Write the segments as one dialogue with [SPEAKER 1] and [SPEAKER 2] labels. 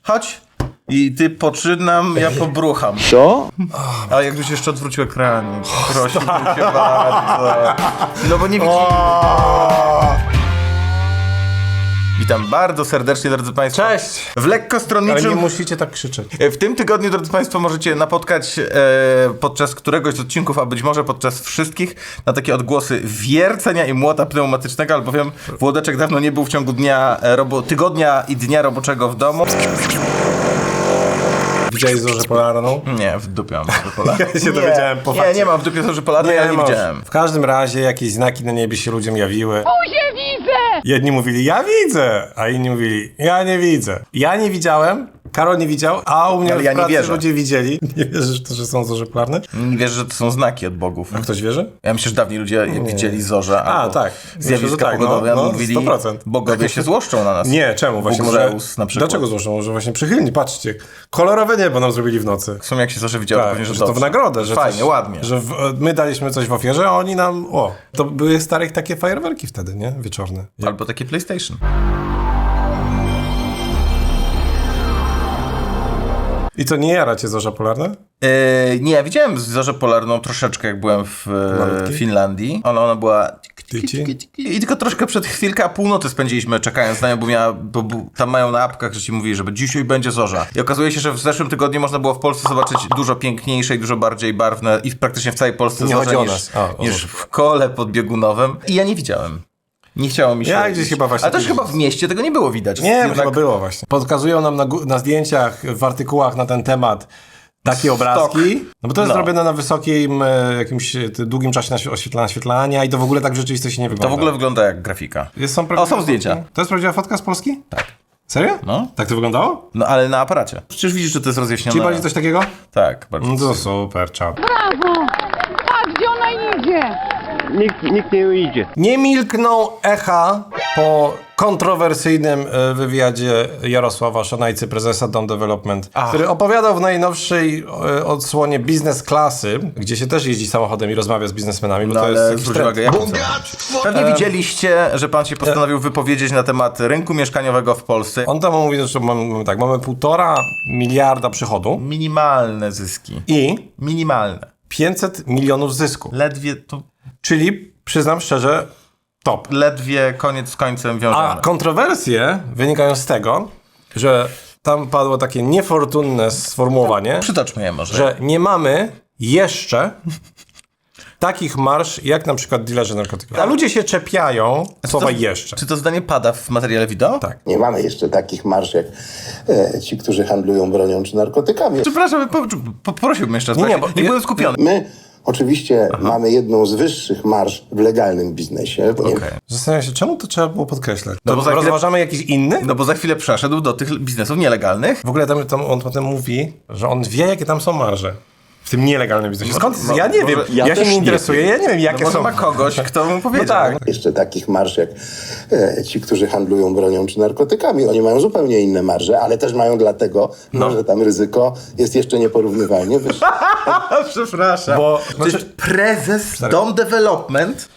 [SPEAKER 1] chodź. I ty poczynam, ja pobrucham.
[SPEAKER 2] Co?
[SPEAKER 1] A jakbyś jeszcze odwrócił ekran, prosiłbym cię bardzo. No bo nie widzimy. Witam bardzo serdecznie, drodzy Państwo.
[SPEAKER 3] Cześć!
[SPEAKER 1] W lekko
[SPEAKER 3] Ale nie
[SPEAKER 1] stronniczym...
[SPEAKER 3] musicie tak krzyczeć.
[SPEAKER 1] W tym tygodniu, drodzy Państwo, możecie napotkać podczas któregoś z odcinków, a być może podczas wszystkich, na takie odgłosy wiercenia i młota pneumatycznego, albowiem Włodeczek dawno nie był w ciągu tygodnia i dnia roboczego w domu.
[SPEAKER 3] Widziałeś Zorzę Polarną?
[SPEAKER 1] Nie, w dupie mam Zorzę Polarną.
[SPEAKER 3] Ja się dowiedziałem po fakcie.
[SPEAKER 1] Nie mam w dupie Zorzy Polarnej, ja nie
[SPEAKER 3] masz.
[SPEAKER 1] widziałem.
[SPEAKER 3] W każdym razie jakieś znaki na niebie się ludziom jawiły.
[SPEAKER 4] Buzię widzę!
[SPEAKER 3] Jedni mówili, ja widzę, a inni mówili, ja nie widzę. Ja nie widziałem, Karol nie widział, a u mnie
[SPEAKER 1] Ale
[SPEAKER 3] w
[SPEAKER 1] ja nie
[SPEAKER 3] pracy
[SPEAKER 1] wierzę.
[SPEAKER 3] ludzie widzieli. Nie wierzysz w to, że są Zorze Polarne?
[SPEAKER 1] Nie wierzę, że to są znaki od bogów.
[SPEAKER 3] A ktoś wierzy?
[SPEAKER 1] Ja myślę, że dawniej ludzie widzieli zorze albo
[SPEAKER 3] tak. Myślę,
[SPEAKER 1] zjawiska
[SPEAKER 3] że tak,
[SPEAKER 1] pogodowe,
[SPEAKER 3] no,
[SPEAKER 1] mówili,
[SPEAKER 3] 100%.
[SPEAKER 1] bogowie się złoszczą na nas.
[SPEAKER 3] Nie, czemu? Właśnie
[SPEAKER 1] Bóg
[SPEAKER 3] może...
[SPEAKER 1] Zeus na przykład.
[SPEAKER 3] Dlaczego złożą? Może właśnie przychylni, patrzcie. Kolorowe niebo nam zrobili w nocy.
[SPEAKER 1] W sumie jak się zorze widziało, to
[SPEAKER 3] Tak,
[SPEAKER 1] pewnie, że
[SPEAKER 3] że to w
[SPEAKER 1] dobrze.
[SPEAKER 3] nagrodę, że
[SPEAKER 1] Fajnie,
[SPEAKER 3] coś,
[SPEAKER 1] ładnie.
[SPEAKER 3] Że my daliśmy coś w ofierze, a oni nam... To były starych takie fajerwerki wtedy, nie? Wieczorne.
[SPEAKER 1] Albo takie PlayStation.
[SPEAKER 3] I co, nie jara cię Zorza Polarna?
[SPEAKER 1] Nie, ja widziałem zorzę polarną troszeczkę, jak byłem w
[SPEAKER 3] Malutki?
[SPEAKER 1] Finlandii. Ona była...
[SPEAKER 3] Tyci?
[SPEAKER 1] I tylko troszkę przed chwilkę, a północy spędziliśmy czekając na nią, bo tam mają na apkach, że ci mówili, że dzisiaj będzie zorza. I okazuje się, że w zeszłym tygodniu można było w Polsce zobaczyć dużo piękniejsze i dużo bardziej barwne i praktycznie w całej Polsce
[SPEAKER 3] Nie
[SPEAKER 1] zorze
[SPEAKER 3] chodzi o
[SPEAKER 1] niż,
[SPEAKER 3] nas. O
[SPEAKER 1] niż w kole podbiegunowym. I ja nie widziałem. Nie chciało mi się.
[SPEAKER 3] Ja gdzieś chyba właśnie
[SPEAKER 1] Ale też
[SPEAKER 3] gdzieś-
[SPEAKER 1] chyba w mieście tego nie było widać.
[SPEAKER 3] Nie,
[SPEAKER 1] Jednak
[SPEAKER 3] chyba było właśnie. Podkazują nam na zdjęciach, w artykułach na ten temat takie obrazki. No bo to jest zrobione na wysokim jakimś długim czasie naświetlania i to w ogóle tak w rzeczywistości nie wygląda.
[SPEAKER 1] To w ogóle wygląda jak grafika. Są zdjęcia.
[SPEAKER 3] To jest prawdziwa fotka z Polski?
[SPEAKER 1] Tak.
[SPEAKER 3] Serio?
[SPEAKER 1] No.
[SPEAKER 3] Tak to wyglądało?
[SPEAKER 1] No ale na aparacie. Przecież widzisz, że to jest rozjaśnione.
[SPEAKER 3] Czyli bardziej coś takiego?
[SPEAKER 1] Tak, bardzo.
[SPEAKER 3] No to super, czad.
[SPEAKER 4] Brawo! Patrz, gdzie ona idzie!
[SPEAKER 2] Nikt nie idzie.
[SPEAKER 3] Nie milkną echa po kontrowersyjnym wywiadzie Jarosława Szanajcy, prezesa Dom Development, który opowiadał w najnowszej odsłonie biznes klasy, gdzie się też jeździ samochodem i rozmawia z biznesmenami, bo
[SPEAKER 1] No
[SPEAKER 3] to jest
[SPEAKER 1] ale
[SPEAKER 3] jakiś
[SPEAKER 1] zwróć
[SPEAKER 3] trend.
[SPEAKER 1] uwagę, jaką cenę? Pewnie widzieliście, że pan się postanowił wypowiedzieć na temat rynku mieszkaniowego w Polsce.
[SPEAKER 3] On tam mówi, że mamy 1,5 miliarda przychodu
[SPEAKER 1] Minimalne zyski.
[SPEAKER 3] i
[SPEAKER 1] Minimalne.
[SPEAKER 3] 500 milionów zysku.
[SPEAKER 1] Ledwie to...
[SPEAKER 3] Czyli, przyznam szczerze, top.
[SPEAKER 1] Ledwie koniec z końcem wiążemy.
[SPEAKER 3] A kontrowersje wynikają z tego, że tam padło takie niefortunne sformułowanie,
[SPEAKER 1] Przytoczmy je może.
[SPEAKER 3] że nie mamy jeszcze takich marsz, jak na przykład dilerzy narkotyków. A ludzie się czepiają słowa jeszcze.
[SPEAKER 1] Czy to zdanie pada w materiale wideo?
[SPEAKER 3] Tak.
[SPEAKER 5] Nie mamy jeszcze takich marsz jak ci, którzy handlują bronią czy narkotykami.
[SPEAKER 1] Przepraszam, poprosiłbym jeszcze raz.
[SPEAKER 3] Nie,
[SPEAKER 1] Nie,
[SPEAKER 3] bo
[SPEAKER 1] nie
[SPEAKER 3] ja-
[SPEAKER 1] byłem skupiony.
[SPEAKER 5] My oczywiście mamy jedną z wyższych marsz w legalnym biznesie.
[SPEAKER 1] Okej.
[SPEAKER 3] Zastanawiam się, czemu to trzeba było podkreślać?
[SPEAKER 1] No bo za chwilę-
[SPEAKER 3] rozważamy jakiś inny?
[SPEAKER 1] No bo za chwilę przeszedł do tych biznesów nielegalnych.
[SPEAKER 3] W ogóle tam on potem mówi, że on wie, jakie tam są marże. W tym nielegalnym biznesie. Skąd? Ja nie wiem.
[SPEAKER 2] ja
[SPEAKER 3] Ja się
[SPEAKER 2] też
[SPEAKER 3] nie
[SPEAKER 2] nie
[SPEAKER 3] interesuję. Ja nie wiem, jakie
[SPEAKER 1] Może
[SPEAKER 3] są.
[SPEAKER 1] ma kogoś, kto mu
[SPEAKER 3] No
[SPEAKER 1] powiedział.
[SPEAKER 3] tak.
[SPEAKER 5] Jeszcze takich marsz jak ci, którzy handlują bronią czy narkotykami. Oni mają zupełnie inne marże, ale też mają dlatego, że tam ryzyko jest jeszcze nieporównywalnie wyższe.
[SPEAKER 1] Przepraszam.
[SPEAKER 3] Bo,
[SPEAKER 1] Przecież prezes Dom Development.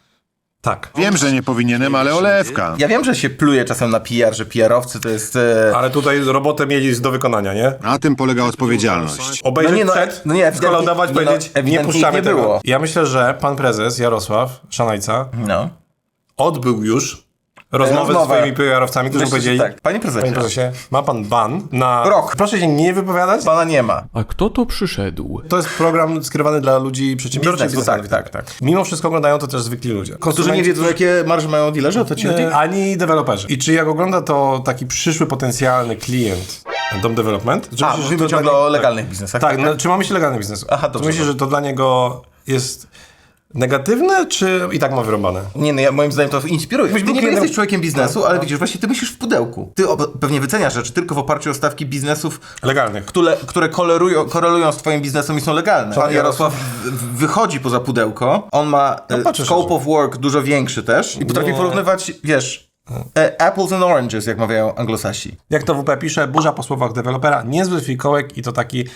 [SPEAKER 3] tak.
[SPEAKER 6] Wiem, że nie powinienem, ale olewka.
[SPEAKER 1] Ja wiem, że się pluje czasem na PR, że PR-owcy to jest...
[SPEAKER 3] Ale tutaj robotę mieli do wykonania, nie?
[SPEAKER 6] Na tym polega odpowiedzialność.
[SPEAKER 3] Obejrzeć
[SPEAKER 1] No nie,
[SPEAKER 3] przed,
[SPEAKER 1] no nie, ewidentnie-
[SPEAKER 3] skolaudować,
[SPEAKER 1] no,
[SPEAKER 3] powiedzieć, nie
[SPEAKER 1] ewidentnie
[SPEAKER 3] puszczamy
[SPEAKER 1] nie
[SPEAKER 3] tego.
[SPEAKER 1] było.
[SPEAKER 3] Ja myślę, że pan prezes Jarosław Szanajca
[SPEAKER 1] No.
[SPEAKER 3] odbył już rozmowę ze
[SPEAKER 1] Rozmowę.
[SPEAKER 3] swoimi PR-owcami, którzy
[SPEAKER 1] Myślę, że
[SPEAKER 3] powiedzieli,
[SPEAKER 1] tak. Panie prezesie.
[SPEAKER 3] panie prezesie, ma pan ban na
[SPEAKER 1] Rok.
[SPEAKER 3] Proszę się nie wypowiadać.
[SPEAKER 1] Pana nie ma.
[SPEAKER 7] A kto to przyszedł?
[SPEAKER 3] To jest program skierowany dla ludzi przedsiębiorczych.
[SPEAKER 1] Biznesu, tak.
[SPEAKER 3] Mimo wszystko oglądają to też zwykli ludzie.
[SPEAKER 1] Którzy nie wiedzą, jakie marże mają dealerzy, o to ci chodzi?
[SPEAKER 3] Ani deweloperzy. I czy jak ogląda to taki przyszły potencjalny klient Dom Development? Czy
[SPEAKER 1] A,
[SPEAKER 3] myślisz, że
[SPEAKER 1] mówimy
[SPEAKER 3] to dla
[SPEAKER 1] ciągle
[SPEAKER 3] niego-
[SPEAKER 1] o legalnych biznesach.
[SPEAKER 3] Tak, no, czy ma myśl legalny biznesu?
[SPEAKER 1] Aha,
[SPEAKER 3] Czy
[SPEAKER 1] dobrze,
[SPEAKER 3] myślisz, że to dla niego jest negatywne, czy i tak ma wyrąbane?
[SPEAKER 1] Nie, no moim zdaniem to inspiruje. Ty
[SPEAKER 3] był
[SPEAKER 1] nie
[SPEAKER 3] klientem-
[SPEAKER 1] jesteś człowiekiem biznesu, ale widzisz, właśnie ty myślisz w pudełku. Ty pewnie wyceniasz rzeczy tylko w oparciu o stawki biznesów,
[SPEAKER 3] Legalnych.
[SPEAKER 1] które korelują z twoim biznesem i są legalne. Pan Jarosław wychodzi poza pudełko, on ma
[SPEAKER 3] patrzę
[SPEAKER 1] scope
[SPEAKER 3] szczerze.
[SPEAKER 1] of work dużo większy też i potrafi porównywać, wiesz, apples and oranges, jak mawiają anglosasi.
[SPEAKER 3] Jak to WP pisze, burza po słowach dewelopera, niezły fikołek i to taki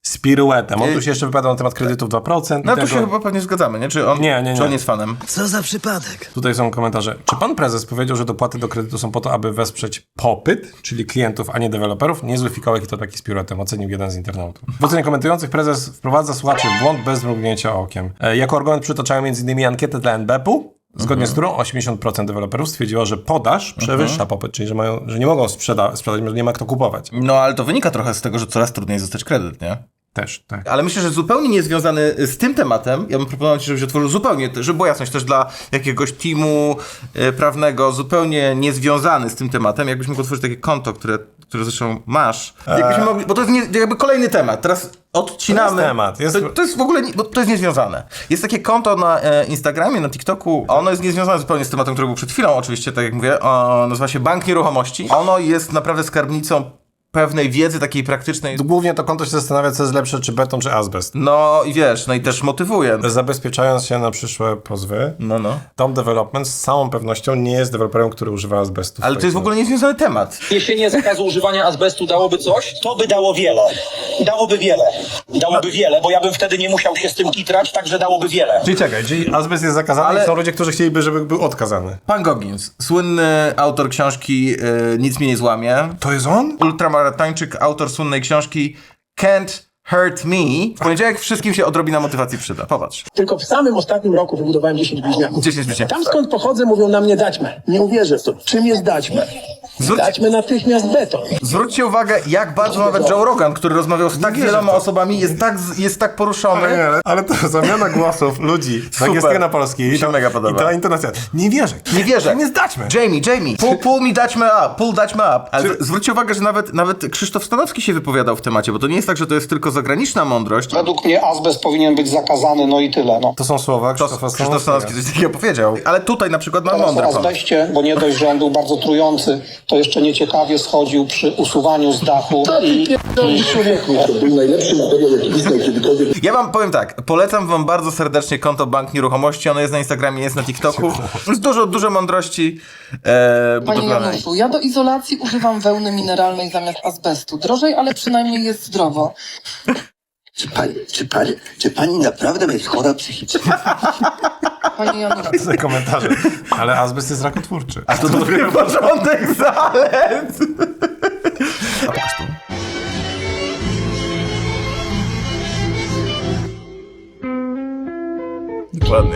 [SPEAKER 3] z piruetem. On tu się jeszcze wypowiadał na temat kredytów 2%.
[SPEAKER 1] No
[SPEAKER 3] i
[SPEAKER 1] to się
[SPEAKER 3] tego.
[SPEAKER 1] chyba pewnie zgadzamy, nie? Czy on,
[SPEAKER 3] Nie.
[SPEAKER 1] Czy on jest fanem?
[SPEAKER 7] Co za przypadek?
[SPEAKER 3] Tutaj są komentarze. Czy pan prezes powiedział, że dopłaty do kredytu są po to, aby wesprzeć popyt, czyli klientów, a nie deweloperów? Niezły fikołek i to taki z piruetem, ocenił jeden z internautów. W ocenie komentujących prezes wprowadza słuchaczy w błąd bez mrugnięcia okiem. Jako argument przytaczają m.in. ankietę dla NBP-u, zgodnie z którą 80% deweloperów stwierdziło, że podaż przewyższa popyt, czyli że nie mogą sprzedać, że nie ma kto kupować.
[SPEAKER 1] No ale to wynika trochę z tego, że coraz trudniej dostać kredyt, nie?
[SPEAKER 3] Też, tak.
[SPEAKER 1] Ale myślę, że zupełnie niezwiązany z tym tematem, ja bym proponował ci, żebyś otworzył zupełnie, żeby była jasność też dla jakiegoś teamu prawnego, zupełnie niezwiązany z tym tematem, jakbyś mógł otworzyć takie konto, które zresztą masz. Jakbyśmy mogli, bo to jest jakby kolejny temat. Teraz odcinamy.
[SPEAKER 3] To jest temat.
[SPEAKER 1] To jest w ogóle, bo to jest niezwiązane. Jest takie konto na Instagramie, na TikToku. Ono jest niezwiązane zupełnie z tematem, który był przed chwilą, oczywiście, tak jak mówię. Nazywa się Bank Nieruchomości. Ono jest naprawdę skarbnicą pewnej wiedzy takiej praktycznej.
[SPEAKER 3] Głównie to konto się zastanawia, co jest lepsze, czy beton, czy azbest.
[SPEAKER 1] No i wiesz, no i też motywuje.
[SPEAKER 3] Zabezpieczając się na przyszłe pozwy,
[SPEAKER 1] No.
[SPEAKER 3] Tom Development z całą pewnością nie jest deweloperem, który używa azbestu.
[SPEAKER 1] Ale to jest w ogóle niezwiązany temat.
[SPEAKER 8] Zniesienie zakazu używania azbestu dałoby coś?
[SPEAKER 9] To by dało wiele. Dałoby wiele. Dałoby wiele, bo ja bym wtedy nie musiał się z tym kitrać, także dałoby wiele.
[SPEAKER 3] Czyli czekaj, czyli azbest jest zakazany,
[SPEAKER 1] Ale-
[SPEAKER 3] i są ludzie, którzy chcieliby, żeby był odkazany.
[SPEAKER 1] Pan Goggins, słynny autor książki Nic mnie nie złamie.
[SPEAKER 3] To jest on?
[SPEAKER 1] Ultramaratończyk, autor słynnej książki Can't Hurt Me. W poniedziałek wszystkim się odrobina motywacji przyda. Popatrz.
[SPEAKER 9] Tylko w samym ostatnim roku wybudowałem 10 bliźniaków.
[SPEAKER 1] 10 bliźniaków.
[SPEAKER 9] Tam skąd pochodzę mówią na mnie daćmy. Nie uwierzę w to. Czym jest daćmy? Daćmy natychmiast beton.
[SPEAKER 1] Zwróćcie uwagę, jak bardzo nawet Joe Rogan, który rozmawiał z tak wieloma osobami, jest tak poruszony.
[SPEAKER 3] Ale to zamiana głosów ludzi z angielskiego na polski.
[SPEAKER 1] Mi się mega podoba.
[SPEAKER 3] I ta intonacja. Nie wierzę.
[SPEAKER 1] Nie wierzę.
[SPEAKER 3] Nie zdaćmy.
[SPEAKER 1] Jamie, pull me daćmy up, pull daćmy up. Ale zwróćcie uwagę, że nawet Krzysztof Stanowski się wypowiadał w temacie, bo to nie jest tak, że to jest tylko zagraniczna mądrość.
[SPEAKER 9] Według mnie azbest powinien być zakazany, no i tyle. No.
[SPEAKER 3] To są słowa
[SPEAKER 1] Krzysztof Stanowski coś takiego powiedział. Ale tutaj na przykład mam mądry
[SPEAKER 9] O
[SPEAKER 1] pomysł.
[SPEAKER 9] azbeście, bo nie dość, że on był bardzo trujący, to jeszcze nieciekawie schodził przy usuwaniu z dachu i człowieku. To był najlepszy materiał, jaki istniał kiedykolwiek.
[SPEAKER 1] Ja wam powiem tak, polecam wam bardzo serdecznie konto Bank Nieruchomości, ono jest na Instagramie, jest na TikToku. Jest dużo mądrości
[SPEAKER 10] Panie
[SPEAKER 1] budowlanej.
[SPEAKER 10] Januszu, ja do izolacji używam wełny mineralnej zamiast azbestu. Drożej, ale przynajmniej jest zdrowo.
[SPEAKER 7] Czy pani naprawdę jest chora psychicznie?
[SPEAKER 10] Panie Januszu.
[SPEAKER 3] Te komentarze. Ale azbest jest rakotwórczy.
[SPEAKER 1] A to dopiero początek zalet! A pokaż tu. Dokładnie.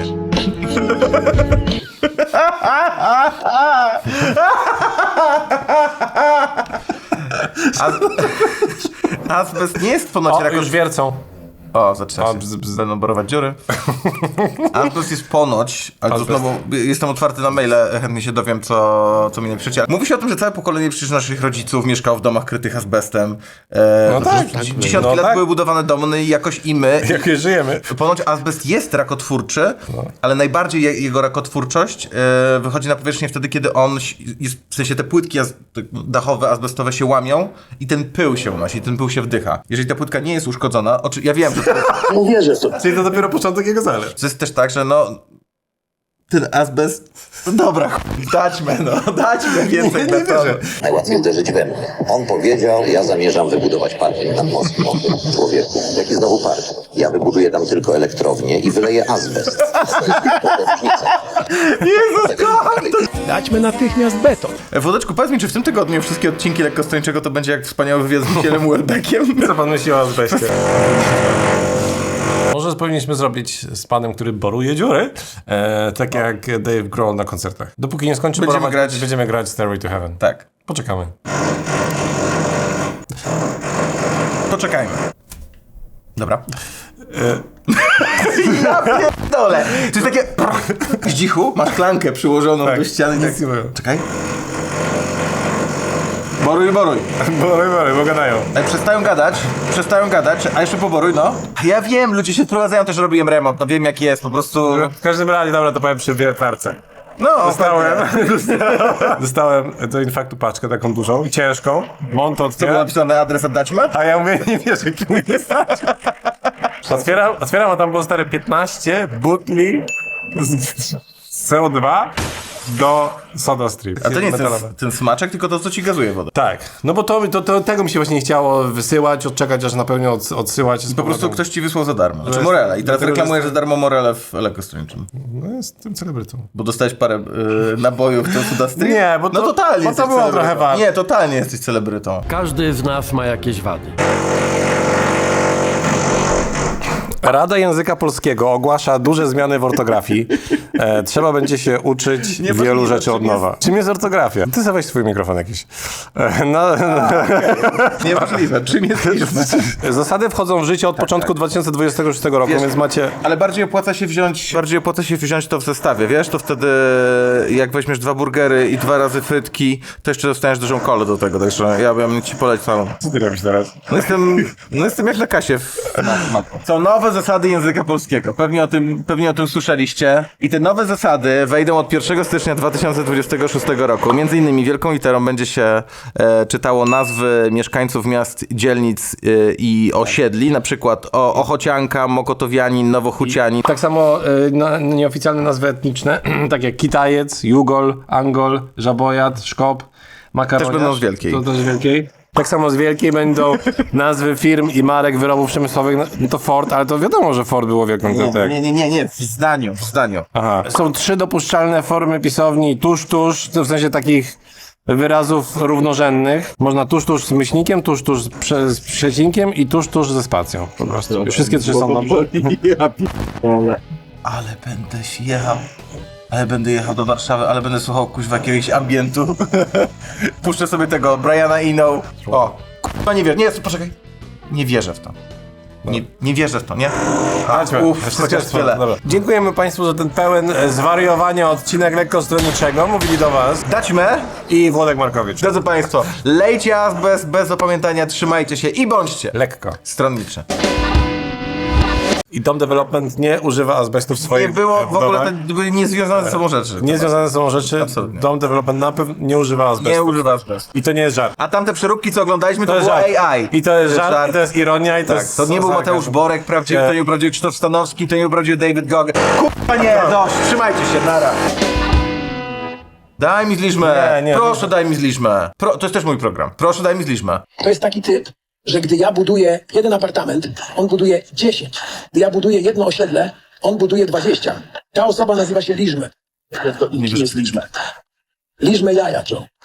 [SPEAKER 1] Azbest nie jest ponoć
[SPEAKER 3] O, już wiercą.
[SPEAKER 1] O, zaczyna
[SPEAKER 3] O,
[SPEAKER 1] się.
[SPEAKER 3] bzz.
[SPEAKER 1] Będą borować dziury. Azbest jest ponoć, ale to
[SPEAKER 3] Azbest.
[SPEAKER 1] znowu jestem otwarty na maile, chętnie się dowiem, co mi napiszecie. Mówi się o tym, że całe pokolenie przecież naszych rodziców mieszkało w domach krytych azbestem.
[SPEAKER 3] No tak.
[SPEAKER 1] Dziesiątki
[SPEAKER 3] No
[SPEAKER 1] lat
[SPEAKER 3] tak.
[SPEAKER 1] były budowane domy, no i jakoś i my.
[SPEAKER 3] Jak je żyjemy.
[SPEAKER 1] Ponoć azbest jest rakotwórczy, ale najbardziej jego rakotwórczość wychodzi na powierzchnię wtedy, kiedy on jest, w sensie te płytki dachowe, azbestowe się łamią i ten pył się unosi, ten pył się wdycha. Jeżeli ta płytka nie jest uszkodzona, ja wiem, że
[SPEAKER 9] Nie uwierzę w to.
[SPEAKER 3] Czyli to dopiero początek jego zalet.
[SPEAKER 1] to jest też tak, że no ten azbest, no dobra, daćmy więcej betonu.
[SPEAKER 7] Najłatwiej uderzyć we mnie. On powiedział, ja zamierzam wybudować parking nad mostem. Człowieku, jaki znowu parking? Ja wybuduję tam tylko elektrownię i wyleję azbest. To różnica.
[SPEAKER 1] Jezus, kocham to!
[SPEAKER 9] Daćmy natychmiast beton.
[SPEAKER 1] Włodeczku, powiedz mi, czy w tym tygodniu wszystkie odcinki Lekkostończego to będzie jak wspaniały wywiad z Michielem Welbeckiem?
[SPEAKER 3] Co pan myśli o azbestie? Może powinniśmy zrobić z panem, który boruje dziury, tak jak Dave Grohl na koncertach. Dopóki nie skończy
[SPEAKER 1] Będziemy
[SPEAKER 3] borować,
[SPEAKER 1] grać-
[SPEAKER 3] będziemy grać Stairway to Heaven.
[SPEAKER 1] Tak.
[SPEAKER 3] Poczekamy.
[SPEAKER 1] Poczekajmy. Dobra. Ja pierdolę! To jest takie... Zdzichu, masz klankę przyłożoną do ściany i tak...
[SPEAKER 3] Nic nie mówią.
[SPEAKER 1] Czekaj. Boruj.
[SPEAKER 3] Boruj, bo gadają.
[SPEAKER 1] Przestają gadać, a jeszcze poboruj, no. Ja wiem, ludzie się wprowadzają, też robiłem remont, no wiem jak jest, po prostu...
[SPEAKER 3] W każdym razie, dobra, to powiem przy wiertarce.
[SPEAKER 1] No,
[SPEAKER 3] Dostałem do infaktu paczkę taką dużą i ciężką. Mon to
[SPEAKER 1] Co było
[SPEAKER 3] otwiera.
[SPEAKER 1] napisane, adres oddać ma?
[SPEAKER 3] A ja mówię, nie wiesz, jaki mój jest. Otwieram, a tam było stare 15 butli z CO2 do SodaStream.
[SPEAKER 1] A to nie jest
[SPEAKER 3] Metalowe.
[SPEAKER 1] ten smaczek, tylko to, co ci gazuje wodę.
[SPEAKER 3] Tak, no bo tego mi się właśnie nie chciało wysyłać, odczekać, aż napełnię odsyłać.
[SPEAKER 1] Po prostu ktoś ci wysłał za darmo. Znaczy Morele. I teraz
[SPEAKER 3] dlatego,
[SPEAKER 1] reklamujesz za darmo Morele w elektrostronniczym.
[SPEAKER 3] No jestem celebrytą.
[SPEAKER 1] Bo dostałeś parę nabojów do SodaStream?
[SPEAKER 3] Nie, bo to-
[SPEAKER 1] No totalnie
[SPEAKER 3] bo to
[SPEAKER 1] jesteś
[SPEAKER 3] było
[SPEAKER 1] celebrytą.
[SPEAKER 3] trochę warte.
[SPEAKER 1] Nie, totalnie jesteś celebrytą.
[SPEAKER 11] Każdy z nas ma jakieś wady.
[SPEAKER 3] Rada Języka Polskiego ogłasza duże zmiany w ortografii. Trzeba będzie się uczyć wielu rzeczy od nowa. Czym jest ortografia? Ty sobie weź swój mikrofon jakiś.
[SPEAKER 1] Niemożliwe. Czym jest liczba?
[SPEAKER 3] Zasady wchodzą w życie od początku 2026 roku,
[SPEAKER 1] Wiesz,
[SPEAKER 3] więc macie...
[SPEAKER 1] Ale bardziej opłaca się wziąć to w zestawie, wiesz? To wtedy jak weźmiesz 2 burgery i 2 razy frytki, to jeszcze dostaniesz dużą kolę do tego, także ja bym ci polecał.
[SPEAKER 3] Co ty robisz teraz?
[SPEAKER 1] No jestem jak na kasie. Są nowe zasady języka polskiego. Pewnie o tym słyszeliście. I te nowe zasady wejdą od 1 stycznia 2026 roku. Między innymi wielką literą będzie się czytało nazwy mieszkańców miast, dzielnic i osiedli, na przykład Ochocianka, Mokotowianin, Nowochucianin.
[SPEAKER 3] Tak samo nieoficjalne nazwy etniczne, tak jak Kitajec, Jugol, Angol, Żabojat, Szkop, Makaroniarz.
[SPEAKER 1] Też będą z Wielkiej.
[SPEAKER 3] To też z Wielkiej. Tak samo z Wielkiej będą nazwy firm i marek wyrobów przemysłowych. No to Ford, ale to wiadomo, że Ford było wielką tak.
[SPEAKER 1] Nie, w zdaniu.
[SPEAKER 3] Aha. Są 3 dopuszczalne formy pisowni tuż, to w sensie takich wyrazów równorzędnych. Można tuż z myślnikiem, tuż z przecinkiem i tuż ze spacją. Po prostu. Wszystkie 3 są dobrze.
[SPEAKER 1] Ale będę jechał do Warszawy, ale będę słuchał kuźwa jakiegoś ambientu. Puszczę sobie tego Briana Eno. O, kurwa nie wierzę. Nie, poczekaj. Nie wierzę w to. Nie wierzę w to, nie? Chociaż tyle.
[SPEAKER 3] Dobra. Dziękujemy Państwu za ten pełen zwariowania odcinek lekkostronniczego. Mówili do Was
[SPEAKER 1] Daćmy.
[SPEAKER 3] i Włodek Markowicz.
[SPEAKER 1] Drodzy Państwo, lejcie azbest bez opamiętania, trzymajcie się i bądźcie
[SPEAKER 3] Lekko.
[SPEAKER 1] stronnicze.
[SPEAKER 3] I Dom Development nie używa azbestu w swoich
[SPEAKER 1] Nie było w ogóle,
[SPEAKER 3] domach.
[SPEAKER 1] to były niezwiązane ze sobą rzeczy.
[SPEAKER 3] Niezwiązane są rzeczy.
[SPEAKER 1] Absolutnie.
[SPEAKER 3] Dom Development na pewno nie używa azbestu.
[SPEAKER 1] Nie używa azbestu.
[SPEAKER 3] I to nie jest żart.
[SPEAKER 1] A tamte przeróbki, co oglądaliśmy, to
[SPEAKER 3] jest
[SPEAKER 1] było
[SPEAKER 3] żart.
[SPEAKER 1] AI.
[SPEAKER 3] I to jest żart, i to jest ironia, i to
[SPEAKER 1] Tak,
[SPEAKER 3] jest...
[SPEAKER 1] to nie był
[SPEAKER 3] sarkazm.
[SPEAKER 1] Mateusz Borek prawdziwy, to nie był prawdziwy Krzysztof Stanowski, to nie był prawdziwy David Gogg. Kurwa nie, dość, trzymajcie się, nara. Daj mi zliczmę.
[SPEAKER 3] Nie,
[SPEAKER 1] Proszę, daj mi zliczmę. To jest też mój program. Proszę, daj mi zliczmę.
[SPEAKER 9] To jest taki typ, że gdy ja buduję jeden apartament, on buduje 10. Gdy ja buduję jedno osiedle, on buduje 20. Ta osoba nazywa się Liżme. Kim jest Liżme? Liżme jaja, Joe.